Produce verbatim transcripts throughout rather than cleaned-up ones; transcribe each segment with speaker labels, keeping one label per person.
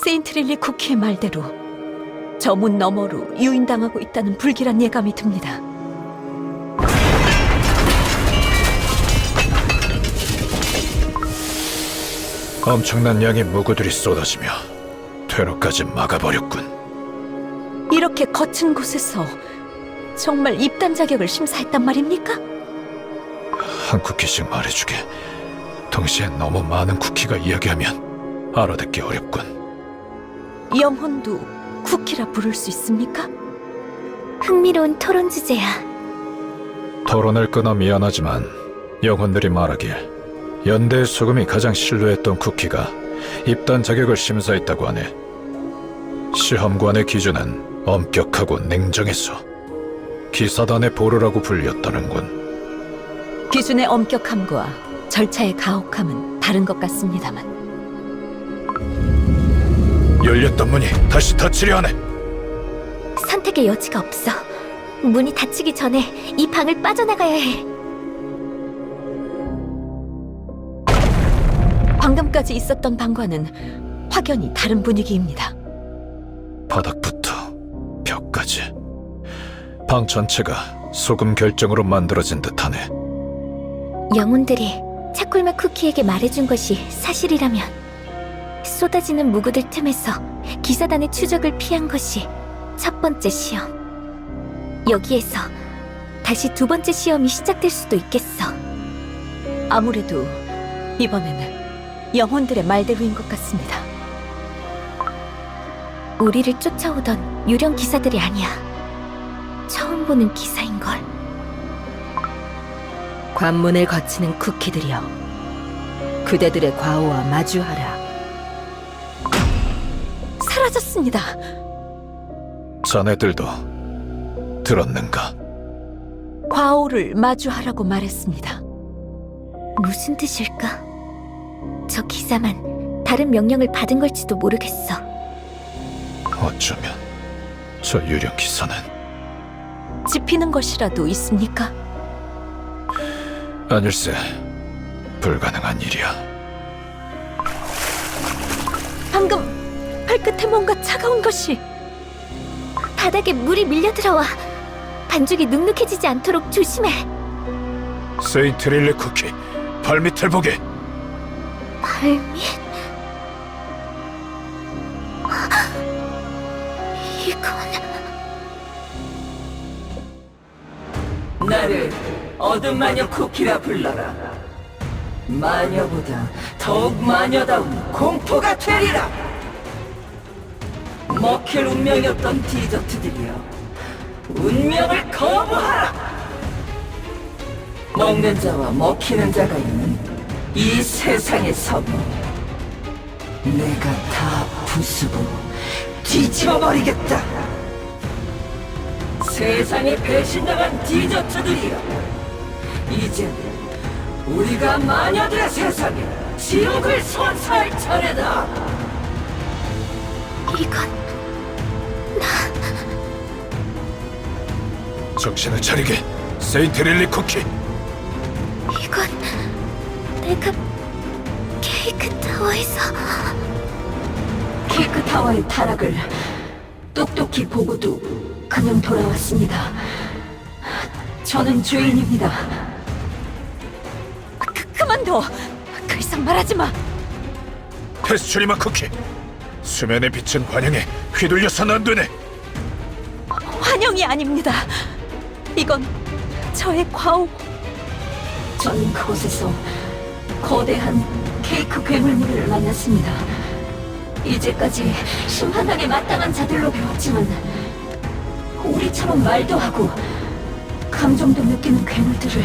Speaker 1: 세인트릴리 쿠키의 말대로 저 문 너머로 유인당하고 있다는 불길한 예감이 듭니다.
Speaker 2: 엄청난 양의 무구들이 쏟아지며 퇴로까지 막아버렸군.
Speaker 1: 이렇게 거친 곳에서 정말 입단 자격을 심사했단 말입니까?
Speaker 2: 한 쿠키씩 말해주게. 동시에 너무 많은 쿠키가 이야기하면 알아듣기 어렵군.
Speaker 1: 영혼도 쿠키라 부를 수 있습니까?
Speaker 3: 흥미로운 토론 주제야.
Speaker 2: 토론을 끊어 미안하지만 영혼들이 말하길 연대의 소금이 가장 신뢰했던 쿠키가 입단 자격을 심사했다고 하네. 시험관의 기준은 엄격하고 냉정해서 기사단의 보루라고 불렸다는군.
Speaker 1: 기준의 엄격함과 절차의 가혹함은 다른 것 같습니다만
Speaker 2: 열렸던 문이 다시 닫히려 하네.
Speaker 3: 선택의 여지가 없어. 문이 닫히기 전에 이 방을 빠져나가야 해.
Speaker 1: 방금까지 있었던 방과는 확연히 다른 분위기입니다.
Speaker 2: 바닥부터 벽까지 방 전체가 소금 결정으로 만들어진 듯하네.
Speaker 3: 영혼들이 차콜맛 쿠키에게 말해준 것이 사실이라면 쏟아지는 무구들 틈에서 기사단의 추적을 피한 것이 첫 번째 시험. 여기에서 다시 두 번째 시험이 시작될 수도 있겠어.
Speaker 1: 아무래도 이번에는 영혼들의 말대로인 것 같습니다.
Speaker 3: 우리를 쫓아오던 유령 기사들이 아니야. 처음 보는 기사인걸.
Speaker 1: 관문을 거치는 쿠키들이여, 그대들의 과오와 마주하라. 사라졌습니다.
Speaker 2: 자네들도 들었는가?
Speaker 1: 과오를 마주하라고 말했습니다.
Speaker 3: 무슨 뜻일까? 저 기사만 다른 명령을 받은 걸지도 모르겠어.
Speaker 2: 어쩌면 저 유령 기사는
Speaker 1: 짚히는 것이라도 있습니까?
Speaker 2: 아닐세. 불가능한 일이야.
Speaker 1: 방금 발끝에 뭔가 차가운 것이.
Speaker 3: 바닥에 물이 밀려들어와. 반죽이 눅눅해지지 않도록 조심해.
Speaker 2: 세인트릴리 쿠키 발밑을 보게.
Speaker 3: 발밑? 이건...
Speaker 4: 나를 어둠 마녀 쿠키라 불러라. 마녀보다 더욱 마녀다운 공포가 되리라. 먹힐 운명이었던 디저트들이여, 운명을 거부하라. 먹는 자와 먹히는 자가 있는 이 세상에서 내가 다 부수고 뒤집어버리겠다. 세상에 배신당한 디저트들이여, 이제 우리가 마녀들의 세상에 지옥을 선사할 차례다.
Speaker 3: 이건...
Speaker 2: 정신을 차리게, 세인트릴리 쿠키.
Speaker 3: 이건... 내가... 케이크 타워에서...
Speaker 1: 케이크 타워의 타락을 똑똑히 보고도 그냥 돌아왔습니다. 저는 죄인입니다. 그, 그만둬! 그 이상 말하지 마!
Speaker 2: 페스츄리마 쿠키, 수면에 비친 환영에 휘둘려서는 안 되네.
Speaker 1: 환영이 아닙니다. 이건 저의 과오. 저는 그곳에서 거대한 케이크 괴물물을 만났습니다. 이제까지 심판당에 마땅한 자들로 배웠지만 우리처럼 말도 하고 감정도 느끼는 괴물들을,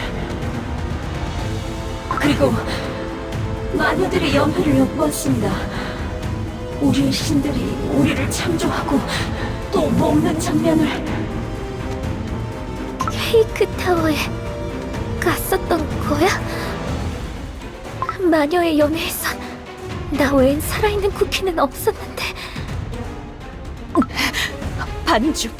Speaker 1: 그리고 마녀들의 연회를 엿보았습니다. 우리의 신들이 우리를 창조하고 또 먹는 장면을.
Speaker 3: 케이크 타워에 갔었던 거야? 마녀의 연회에선 나 외엔 살아있는 쿠키는 없었는데.
Speaker 1: 반죽.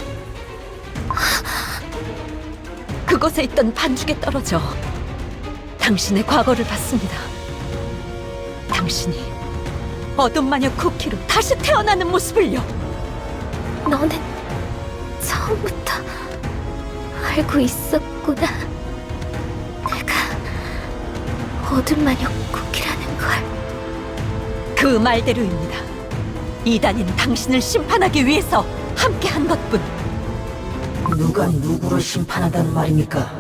Speaker 1: 그곳에 있던 반죽에 떨어져 당신의 과거를 봤습니다. 당신이 어둠 마녀 쿠키로 다시 태어나는 모습을요.
Speaker 3: 너는 처음부터 알고 있었구나. 내가 어둠 마녀 쿠키라는 걸.
Speaker 1: 그 말대로입니다. 이단인 당신을 심판하기 위해서 함께한 것뿐.
Speaker 4: 누가 누구를 심판한다는 말입니까?